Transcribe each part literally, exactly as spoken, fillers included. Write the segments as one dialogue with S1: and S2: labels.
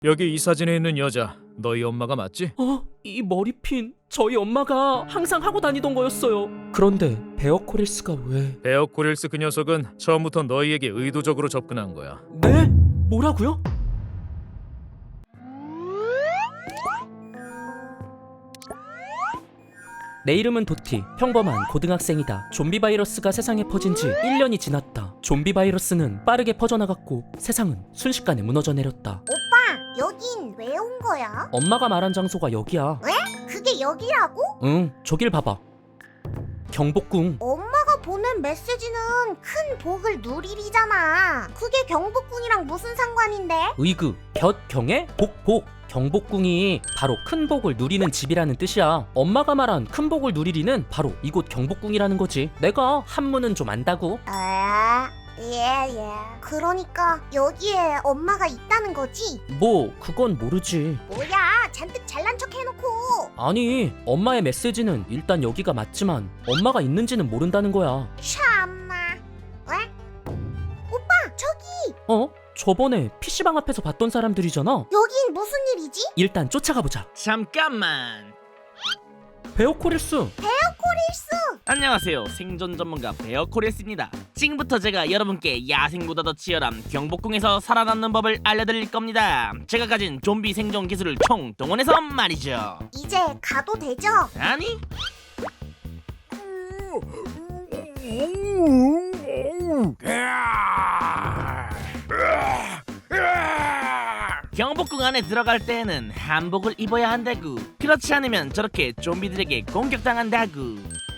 S1: 여기 이 사진에 있는 여자 너희 엄마가 맞지?
S2: 어? 이 머리핀 저희 엄마가 항상 하고 다니던 거였어요. 그런데 베어 코릴스가 왜...
S1: 베어 코릴스 그 녀석은 처음부터 너희에게 의도적으로 접근한 거야.
S2: 네? 뭐라고요? 내 이름은 도티. 평범한 고등학생이다. 좀비 바이러스가 세상에 퍼진 지 일 년이 지났다. 좀비 바이러스는 빠르게 퍼져나갔고 세상은 순식간에 무너져 내렸다.
S3: 오빠, 여긴 왜 온 거야?
S2: 엄마가 말한 장소가 여기야.
S3: 그게 여기라고?
S2: 응, 저길 봐봐. 경복궁.
S3: 엄마가 보낸 메시지는 큰 복을 누리리잖아. 그게 경복궁이랑 무슨 상관인데?
S2: 의그, 곁, 경에, 복, 복. 경복궁이 바로 큰 복을 누리는 집이라는 뜻이야. 엄마가 말한 큰 복을 누리리는 바로 이곳 경복궁이라는 거지. 내가 한문은 좀 안다고.
S3: 아, 예, 예. 그러니까 여기에 엄마가 있다는 거지?
S2: 뭐 그건 모르지.
S3: 뭐야, 잔뜩 잘난 척 해놓고.
S2: 아니, 엄마의 메시지는 일단 여기가 맞지만 엄마가 있는지는 모른다는 거야.
S3: 참나. 왜? 오빠, 저기!
S2: 어? 저번에 피시방 앞에서 봤던 사람들이잖아.
S3: 여긴 무슨 일이지?
S2: 일단 쫓아가 보자.
S4: 잠깐만.
S2: 베어 코릴스.
S3: 코릴스!
S4: 안녕하세요. 생존 전문가 베어 코릴스입니다. 지금부터 제가 여러분께 야생보다 더 치열한 경복궁에서 살아남는 법을 알려드릴 겁니다. 제가 가진 좀비 생존 기술을 총동원해서 말이죠.
S3: 이제 가도 되죠?
S4: 아니? 경복궁 안에 들어갈 때에는 한복을 입어야 한다구. 그렇지 않으면 저렇게 좀비들에게 공격당한다구.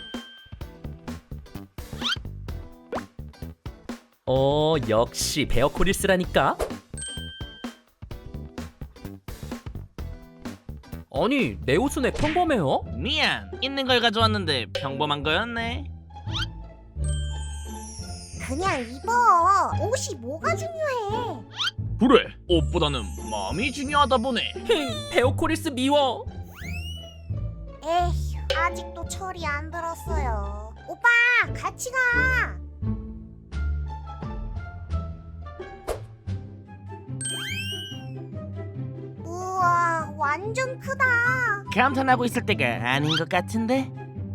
S2: 어, 역시 베어 코릴스라니까. 아니, 내 옷은 왜 평범해요?
S4: 미안, 있는 걸 가져왔는데 평범한 거였네.
S3: 그냥 입어. 옷이 뭐가 중요해?
S4: 그래, 옷보다는 마음이 중요하다 보네.
S2: 힝, 베어 코릴스 미워.
S3: 에휴, 아직도 철이 안 들었어요. 오빠, 같이 가. 우와, 완전 크다.
S4: 감탄하고 있을 때가 아닌 것 같은데?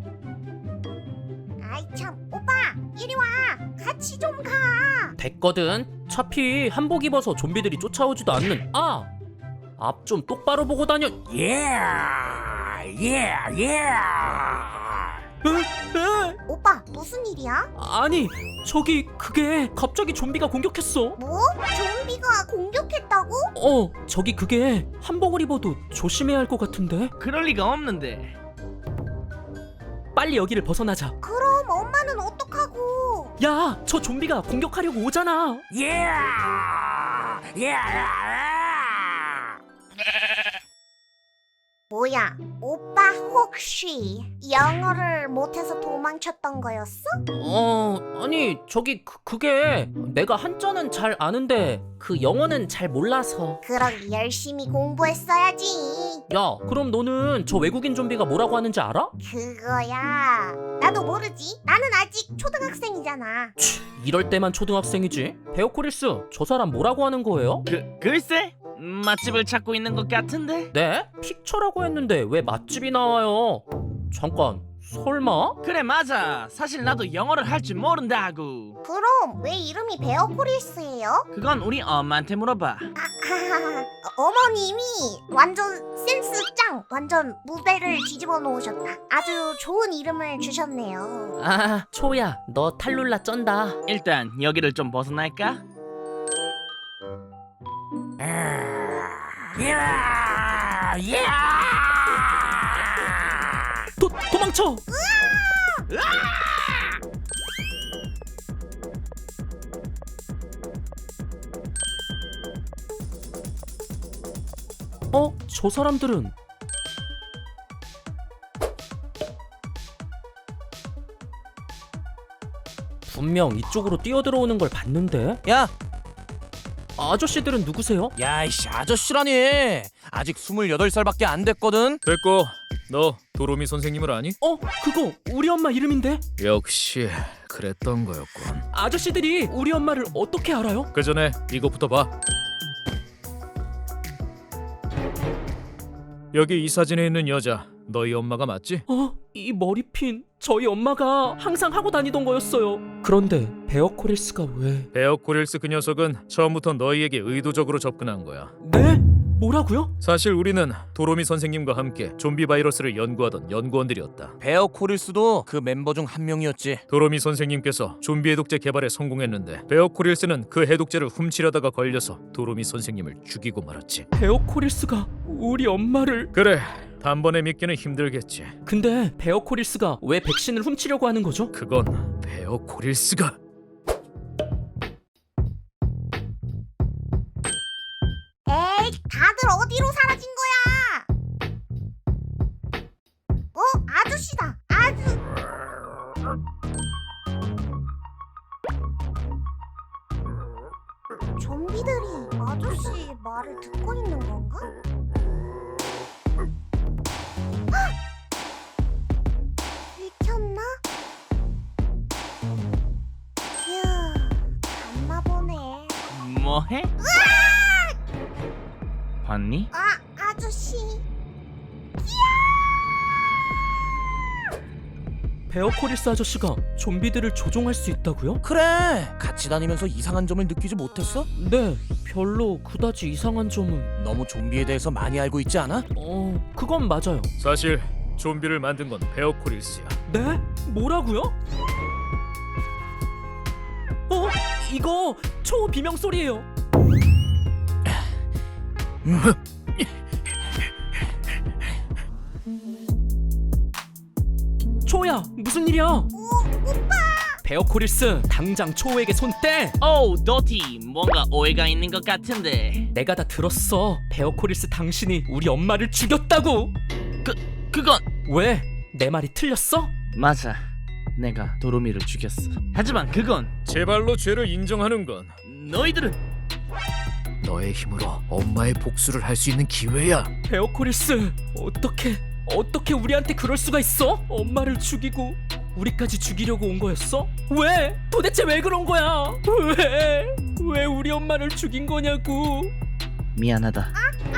S3: 아이 참, 오빠, 이리 와. 같이 좀 가.
S2: 됐거든. 차피 한복 입어서 좀비들이 쫓아오지도 않는. 아! 앞 좀 똑바로 보고 다녀.
S4: 예! 예! 예!
S2: 으, 으.
S3: 오빠, 무슨 일이야?
S2: 아니, 저기 그게 갑자기 좀비가 공격했어.
S3: 뭐? 좀비가 공격했다고?
S2: 어, 저기 그게 한복을 입어도 조심해야 할 것 같은데.
S4: 그럴 리가 없는데.
S2: 빨리 여기를 벗어나자.
S3: 그럼 엄마는 어떡하고?
S2: 야, 저 좀비가 공격하려고 오잖아.
S4: 예! 예!
S3: 뭐야, 오빠 혹시 영어를 못해서 도망쳤던 거였어?
S2: 어, 아니, 저기 그, 그게 내가 한자는 잘 아는데 그 영어는 잘 몰라서.
S3: 그럼 열심히 공부했어야지.
S2: 야, 그럼 너는 저 외국인 좀비가 뭐라고 하는지 알아?
S3: 그거야, 나도 모르지. 나는 아직 초등학생이잖아.
S2: 치, 이럴 때만 초등학생이지. 베어 코릴스, 저 사람 뭐라고 하는 거예요?
S4: 그, 글쎄? 맛집을 찾고 있는 것 같은데?
S2: 네? 픽처라고 했는데 왜 맛집이 나와요? 잠깐, 설마?
S4: 그래, 맞아. 사실 나도 영어를 할 줄 모른다고.
S3: 그럼 왜 이름이 베어 코릴스예요?
S4: 그건 우리 엄마한테 물어봐.
S3: 아, 어머님이 완전 센스 짱! 완전 무대를 뒤집어 놓으셨다. 아주 좋은 이름을 주셨네요.
S2: 아, 초야, 너 탈룰라 쩐다.
S4: 일단 여기를 좀 벗어날까?
S2: 도, 도망쳐! 어? 저 사람들은 분명 이쪽으로 뛰어들어오는 걸 봤는데?
S5: 야!
S2: 아저씨들은 누구세요?
S5: 야이씨 아저씨라니 아직 스물여덟 살밖에 안 됐거든.
S1: 됐고, 너 도로미 선생님을 아니?
S2: 어? 그거 우리 엄마 이름인데?
S1: 역시 그랬던 거였군.
S2: 아저씨들이 우리 엄마를 어떻게 알아요?
S1: 그 전에 이것부터 봐. 여기 이 사진에 있는 여자 너희 엄마가 맞지?
S2: 어? 이 머리핀 저희 엄마가 항상 하고 다니던 거였어요. 그런데 베어 코릴스가 왜...
S1: 베어 코릴스 그 녀석은 처음부터 너희에게 의도적으로 접근한 거야.
S2: 네? 뭐라고요?
S1: 사실 우리는 도로미 선생님과 함께 좀비 바이러스를 연구하던 연구원들이었다.
S5: 베어 코릴스도 그 멤버 중 한 명이었지.
S1: 도로미 선생님께서 좀비 해독제 개발에 성공했는데 베어 코릴스는 그 해독제를 훔치려다가 걸려서 도로미 선생님을 죽이고 말았지.
S2: 베어 코릴스가 우리 엄마를...
S1: 그래, 단번에 믿기는 힘들겠지.
S2: 근데 베어 코릴스가 왜 백신을 훔치려고 하는 거죠?
S1: 그건 베어 코릴스가
S3: 에이, 다들 어디로 사라진 거야? 어? 아저씨다. 아주. 좀비들이 아저씨 말을 듣고 있는 건가? 헉! 들켰나? 휴, 갔나 보네.
S4: 뭐해? 봤니?
S3: 아, 아저씨.
S2: 베어 코릴스 아저씨가 좀비들을 조종할 수 있다고요?
S5: 그래, 같이 다니면서 이상한 점을 느끼지 못했어?
S2: 네, 별로 그다지 이상한 점은...
S5: 너무 좀비에 대해서 많이 알고 있지 않아?
S2: 어... 그건 맞아요.
S1: 사실 좀비를 만든 건 베어 코릴스야.
S2: 네? 뭐라고요? 어? 이거 초비명 소리예요. 초야, 무슨 일이야?
S3: 오, 오빠.
S2: 베어 코릴스, 당장 초에게 손 떼!
S4: 오우 도티, 뭔가 오해가 있는 것 같은데.
S2: 내가 다 들었어. 베어 코릴스 당신이 우리 엄마를 죽였다고!
S4: 그, 그건
S2: 왜? 내 말이 틀렸어?
S4: 맞아. 내가 도로미를 죽였어. 하지만 그건
S1: 제발로 죄를 인정하는 건
S4: 너희들은
S1: 너의 힘으로 엄마의 복수를 할 수 있는 기회야.
S2: 베어 코릴스, 어떻게 어떻게 우리한테 그럴 수가 있어? 엄마를 죽이고 우리까지 죽이려고 온 거였어? 왜? 도대체 왜 그런 거야? 왜? 왜 우리 엄마를 죽인 거냐고?
S4: 미안하다.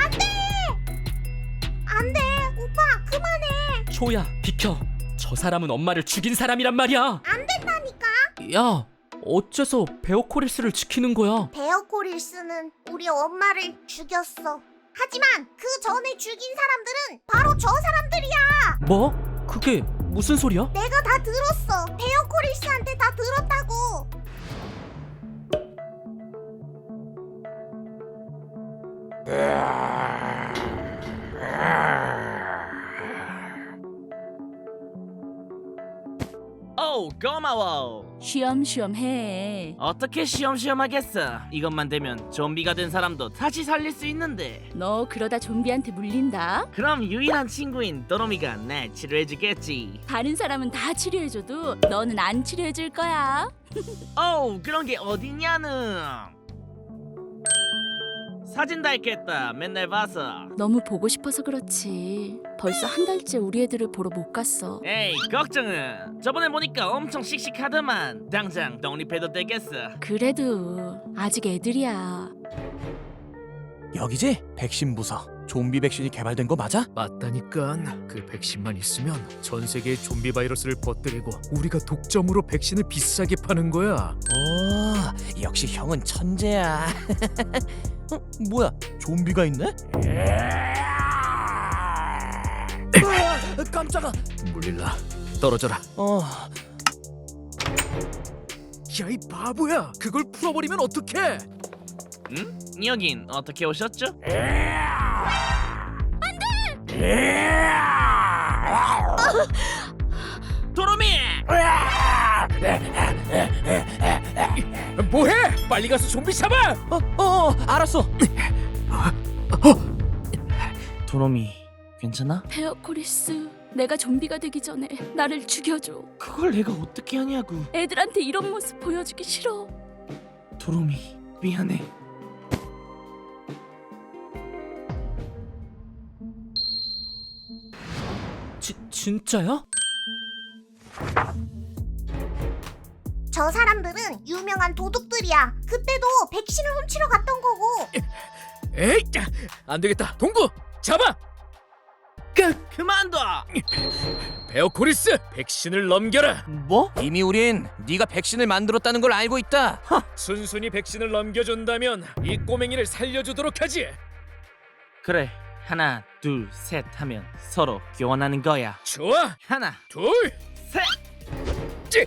S3: 안 돼. 오빠, 그만해.
S2: 초야, 비켜. 저 사람은 엄마를 죽인 사람이란 말이야.
S3: 안 된다니까.
S2: 야, 어째서 베어 코릴스를 지키는 거야?
S3: 베어 코릴스는 우리 엄마를 죽였어. 하지만 그 전에 죽인 사람들은 바로 저 사람들이야.
S2: 뭐? 그게 무슨 소리야?
S3: 내가 다 들었어. 베어 코릴스한테 다 들었다고.
S4: 오우 고마워.
S6: 쉬엄쉬엄 해.
S4: 어떻게 쉬엄쉬엄 하겠어. 이것만 되면 좀비가 된 사람도 다시 살릴 수 있는데.
S6: 너 그러다 좀비한테 물린다.
S4: 그럼 유일한 친구인 도로미가 날 치료해주겠지.
S6: 다른 사람은 다 치료해줘도 너는 안 치료해줄 거야.
S4: 어우 그런 게 어딨냐는. 사진 다 있겠다. 맨날 봐서.
S6: 너무 보고 싶어서 그렇지. 벌써 한 달째 우리 애들을 보러 못 갔어.
S4: 에이 걱정은. 저번에 보니까 엄청 씩씩하더만. 당장 독립해도 되겠어.
S6: 그래도 아직 애들이야.
S5: 여기지? 백신 부서. 좀비 백신이 개발된 거 맞아?
S1: 맞다니까. 그 백신만 있으면 전 세계의 좀비 바이러스를 퍼뜨리고 우리가 독점으로 백신을 비싸게 파는 거야.
S5: 오, 역시 형은 천재야. 어, 뭐야? 좀비가 있네? 으아, 깜짝아.
S1: 물릴라. 떨어져라.
S5: 어,
S1: 야, 이 바보야. 그걸 풀어버리면 어떡해?
S4: 응? 여긴 어떻게 오셨죠? 도로미!
S1: 뭐해? 빨리 가서 좀비 잡아!
S5: 어, 어, 알았어.
S4: 도로미 괜찮아?
S6: 베어 코리스, 내가 좀비가 되기 전에 나를 죽여줘.
S4: 그걸 내가 어떻게 하냐고.
S6: 애들한테 이런 모습 보여주기 싫어.
S4: 도로미 미안해.
S2: 지, 진짜야?
S3: 저 사람들은 유명한 도둑들이야. 그때도 백신을 훔치러 갔던 거고.
S1: 에이, 안 되겠다. 동구, 잡아!
S4: 끝! 그만둬!
S1: 베어코리스, 백신을 넘겨라.
S4: 뭐?
S5: 이미 우린 네가 백신을 만들었다는 걸 알고 있다.
S1: 순순히 백신을 넘겨준다면 이 꼬맹이를 살려주도록 하지.
S4: 그래, 하나 둘 셋 하면 서로 교환하는 거야.
S1: 좋아,
S4: 하나
S1: 둘,
S4: 셋!
S1: 찌.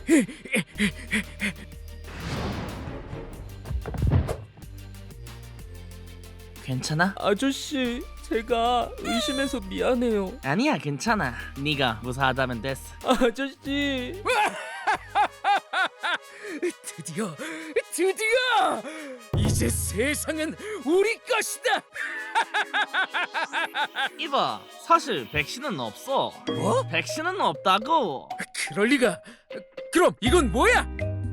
S4: 괜찮아?
S2: 아저씨, 제가 의심해서 미안해요.
S4: 아니야, 괜찮아. 네가 무사하다면 됐어.
S2: 아저씨.
S1: 드디어, 드디어! 이제 세상은 우리 것이다.
S4: 이봐, 사실 백신은 없어.
S1: 뭐?
S4: 백신은 없다고.
S1: 그럴 리가. 그럼 이건 뭐야?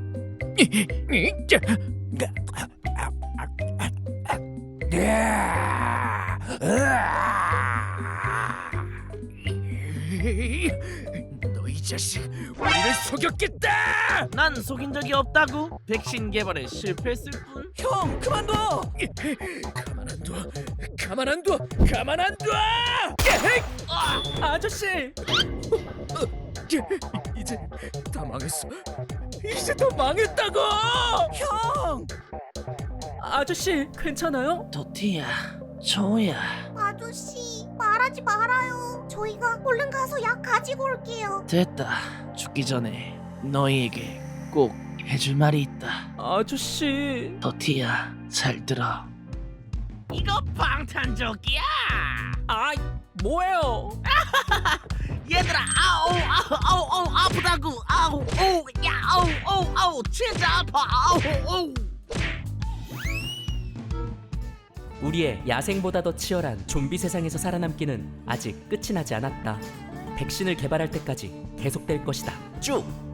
S1: 너 이 자식, 우리를 속였겠다.
S4: 난 속인 적이 없다고. 백신 개발에 실패했을 뿐.
S5: 형, 그만둬.
S1: 가만 안 둬. 가만 안 둬. 가만 안 둬.
S2: 아저씨.
S1: 이제 다 망했어. 이제 다 망했다고.
S5: 형.
S2: 아저씨, 괜찮아요?
S4: 도티야, 조야.
S3: 아저씨, 말하지 말아요. 저희가 얼른 가서 약 가지고 올게요.
S4: 됐다. 죽기 전에 너희에게 꼭 해줄 말이 있다.
S2: 아저씨.
S4: 도티야, 잘 들어. 이거 방탄조끼야.
S2: 아, 뭐예요?
S4: 얘들아, 아우 아우 아우 아우 아프다고. 아우 오우 야 아우 오우 아우 진짜 아파. 아우 오우.
S2: 우리의 야생보다 더 치열한 좀비 세상에서 살아남기는 아직 끝이 나지 않았다. 백신을 개발할 때까지 계속될 것이다. 쭉!